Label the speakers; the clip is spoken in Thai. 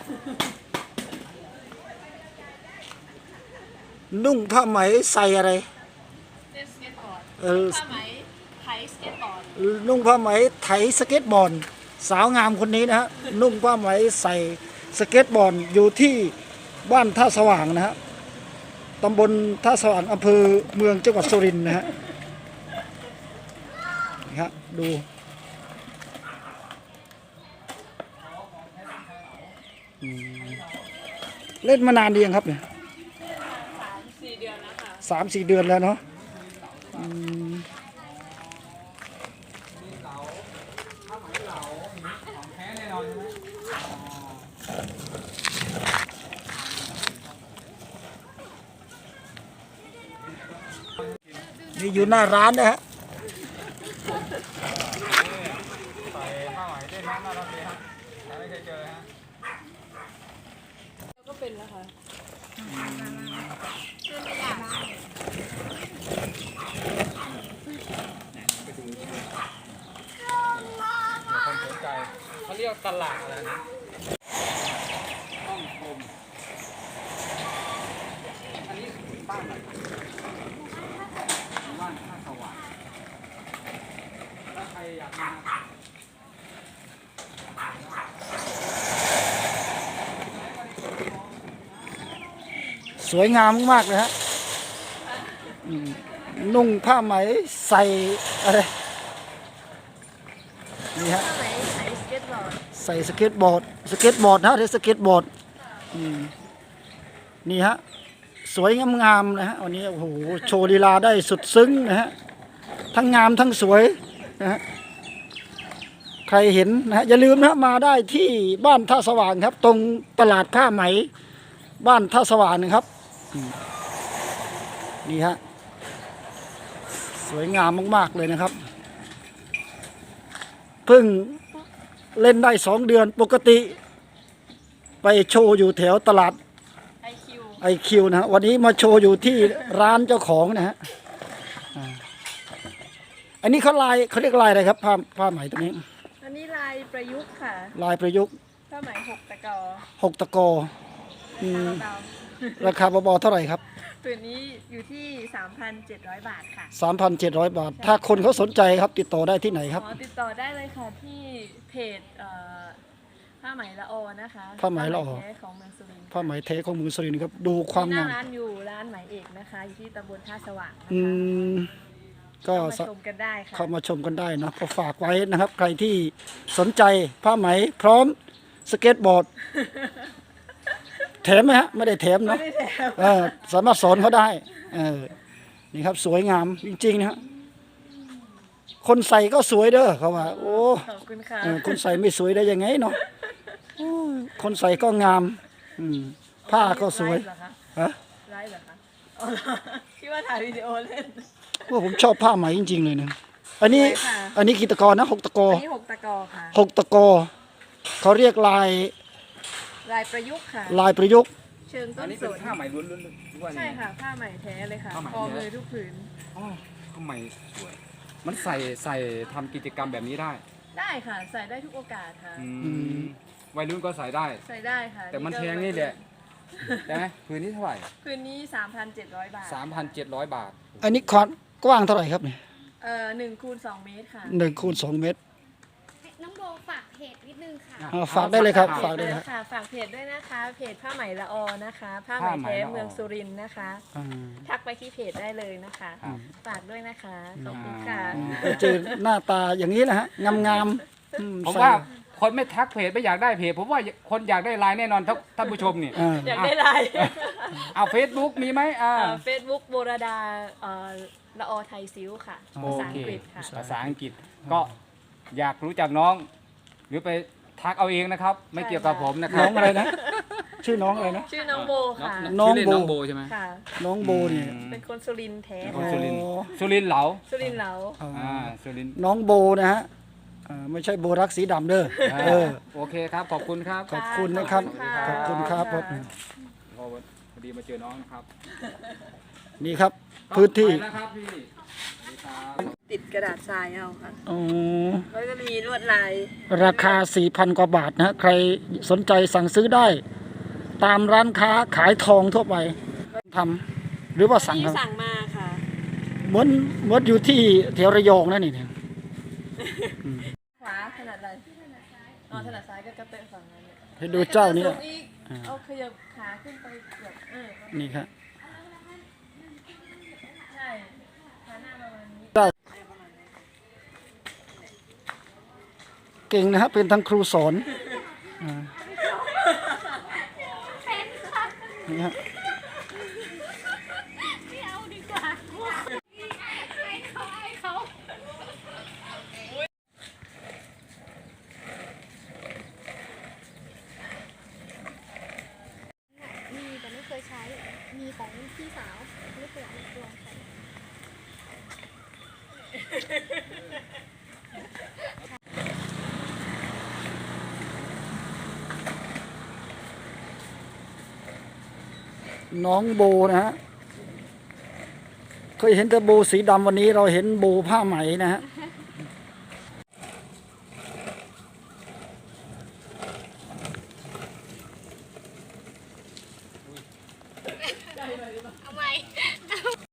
Speaker 1: นุ่งผ้าไหมใส่อะไร
Speaker 2: เล่นสเก็ตบอร์ดผ้าไหมไถสเก็ตบอร์ด
Speaker 1: นุ่งผ้าไหมไถสเก็ตบอร์ดสาวงามคนนี้นะฮะนุ่งผ้าไหมใส่สเก็ตบอร์ดอยู่ที่บ้านท่าสว่างนะฮะตำบลท่าสว่างอำเภอเมืองจังหวัดสุรินทร์นะฮะนี่ฮะดูเล่นมานานดียังครับเนี่ย
Speaker 2: 3-4 เดือนแล้วค่ะ
Speaker 1: 3-4 เดือนแล้วเนาะนี่อยู่หน้าร้านนะฮะ
Speaker 3: ใส่ผ้าไหมเล่นน้ำน่ารักดีครับไม่เคยเจอฮะ
Speaker 2: ก็เป็นแล้วค่ะ
Speaker 3: คนสนใจเขาเรียกตลาดอะไรนะห้องคมอันนี้บ้านอะไรบ้านท่าสว่างถ้าใครอยากมา
Speaker 1: สวยงามมากเลยฮะนุ่งผ้าไหมใส่อะไรนี่ฮะ
Speaker 2: ผ้าไหมไถสเก็ตบอร์ด
Speaker 1: ใส่สเก็ตบอร์ดนะเรียกสเก็ตบอร์ดนี่ฮะสวยงามๆนะฮะวันนี้โอ้โหโชว์ลีลาได้สุดซึ้งนะฮะทั้งงามทั้งสวยนะฮะใครเห็นนะฮะอย่าลืมนะมาได้ที่บ้านท่าสว่างครับตรงตลาดผ้าไหมบ้านท่าสว่างนะครับนี่ฮะสวยงามมากๆเลยนะครับเพิ่งเล่นได้2 เดือนปกติไปโชว์อยู่แถวตลาดIQ นะฮะวันนี้มาโชว์อยู่ที่ร้านเจ้าของนะฮะอันนี้เขาเรียกลายอะไรครับผ้าไหมตัวนี้
Speaker 2: อันนี้ลายประยุกต์ค่ะ
Speaker 1: ลายประยุกต์
Speaker 2: ผ้าไหม6 ตะกอ
Speaker 1: 6 ตะกอราคาเบาๆเท่าไหร่ครับ
Speaker 2: ตัวนี้อยู่ที่ 3,700 บาทค่ะ
Speaker 1: 3,700 บาทถ้าคนเขาสนใจครับติดต่อได้ที่ไหนครับ
Speaker 2: ติดต่อได้เลยค่ะที่เพจผ้าไหมละออนะคะ
Speaker 1: ผ้าไหมละออ
Speaker 2: ของเมืองสุรินทร์
Speaker 1: ผ้าไหมเทของเมืองสุรินทร์ครับดูความงาม
Speaker 2: ร้านอยู่ร้านไหมเอกนะคะอยู่ที่ตำบลท่าสว่าง
Speaker 1: ก็
Speaker 2: เข้ามาชมกันได้ค่ะ
Speaker 1: เข้ามาชมกันได้นะก็ฝากไว้นะครับใครที่สนใจผ้าไหมพร้อมสเก็ตบอร์ดแถมไหมฮะไม่ได้แถมเนาะสามารถสอนเขาได้นี่ครับสวยงามจริงๆนะฮะคนใส่ก็สวยเด้อเขาว่าโอ้
Speaker 2: ขอบคุณค่ะ
Speaker 1: คนใส่ไม่สวยได้ยังไงเนาะคนใส่ก็งามผ้าก็สวย
Speaker 2: ฮะไลฟ์เหรอคะคิดว่าถ่ายวิดีโอเล่น
Speaker 1: ว่าผมชอบผ้าไหมจริงๆเลยนะอันนี้กี่ตะกอนะ6 ตะกอ
Speaker 2: อันนี้6 ตะกอค่ะ
Speaker 1: 6 ตะกอเขาเรียกลาย
Speaker 2: ประยุกต์ค่ะ
Speaker 1: ลายประยุกต์
Speaker 2: เชิงต้นสน
Speaker 3: ผ้าไหมล้วนๆ
Speaker 2: ใช่ค่ะผ้าไหมแท้เลยค่ะพอเลยทุกผืน
Speaker 3: ผ้าไหมสวยมันใส่ทำกิจกรรมแบบนี้ได้
Speaker 2: ค่ะใส่ได้ทุกโอกาสค่ะ
Speaker 3: วัยรุ่นก็ใส่ได้
Speaker 2: ค่ะ
Speaker 3: แต่มันแพงนี่แหละใช่ไหมผืนนี้เท่าไหร่
Speaker 2: ผืนนี้ 3,700 บาท
Speaker 3: 3,700 บาท
Speaker 1: อันนี้ความกว้างเท่าไหร่ครับเนี่ย
Speaker 2: 1x2 เมตรค่ะ
Speaker 1: 1x2 เมตร
Speaker 4: น้องโบฝากเพจนิดนึงค่ะ
Speaker 1: ฝากได้เลยครับฝากได้เลย
Speaker 2: ค่ะฝากเพจด้วยนะคะเพจผ้าไหมละออนะคะผ้าไหมแท้เมืองสุรินทร์นะคะทักไปที่เพจได้เลยนะคะฝากด้วยนะคะขอบคุณค่ะ
Speaker 1: เจอหน้าตาอย่างนี้นะฮะงาม
Speaker 3: ผมว่าคนไม่ทักเพจไม่อยากได้เพจผมว่าคนอยากได้ไลน์แน่นอนท่านผู้ชมนี่
Speaker 2: อยากได้ไลน์
Speaker 3: เอาเฟซบุ๊กมีไหม
Speaker 2: เฟซบุ๊กโบราดาละออไทยซิ้วค่ะภาษาอังกฤษค่ะ
Speaker 3: ภาษาอังกฤษก็อยากรู้จักน้องหรือไปทักเอาเองนะครับไม่เกี่ยวกับผมนะครับ
Speaker 1: น้องอะไรนะชื่อน้องอะไรนะ
Speaker 2: ชื่อน้องโบค่ะ
Speaker 3: น้องโบใช่ไหม
Speaker 1: น้องโบเนี่ย
Speaker 2: เป็นคนสุรินทร์แท้
Speaker 3: สุรินทร์เหลา
Speaker 2: สุรินทร์เหลา
Speaker 3: สุรินทร์
Speaker 1: น้องโบนะฮะไม่ใช่โบรักสีดำเด้อ
Speaker 3: โอเคครับขอบคุณครับ
Speaker 1: ขอบคุณนะครับขอบคุณครับ
Speaker 3: พอดีมาเจอน้องนะครับ
Speaker 1: นี่ครับพื้นที่
Speaker 3: นะครับพี่
Speaker 2: ติดกระดาษทรายเอาค่ะ
Speaker 1: อ๋อ
Speaker 2: แล้วก็มีลวดลาย
Speaker 1: ราคา 4,000 กว่าบาทนะฮะใครสนใจสั่งซื้อได้ ตามร้านค้าขายทองทั่วไปทำหรือว่าสั่ง
Speaker 2: ที่
Speaker 1: ครับ
Speaker 2: สั่งมาค่ะ
Speaker 1: เหมือนอยู่ที่แถวระยองนั่นนี่เนี่ย
Speaker 2: ขวาถนัดอะไรอ๋อถนัดซ้ายก็กระเตะฝั่งนั้นเนี่ย
Speaker 1: ให้ดูเจ้านี้
Speaker 2: สูงอีกเอาขยับขาขึ้นไปเกือบ
Speaker 1: นี่ครับ
Speaker 2: ใช่ขาหน้าประมาณนี้
Speaker 1: เก่งนะฮะเป็นทั้งครูสอนนี่ฮะ
Speaker 4: ไม่เอาดีกว่าให้เขา มีแต่ไม่เคยใช้ มีของพี่สาว ไม่เคยลองใช้
Speaker 1: น้องโบนะฮะเคยเห็นแต่โบสีดำวันนี้เราเห็นโบผ้าไหมนะฮะ
Speaker 4: เอาไหม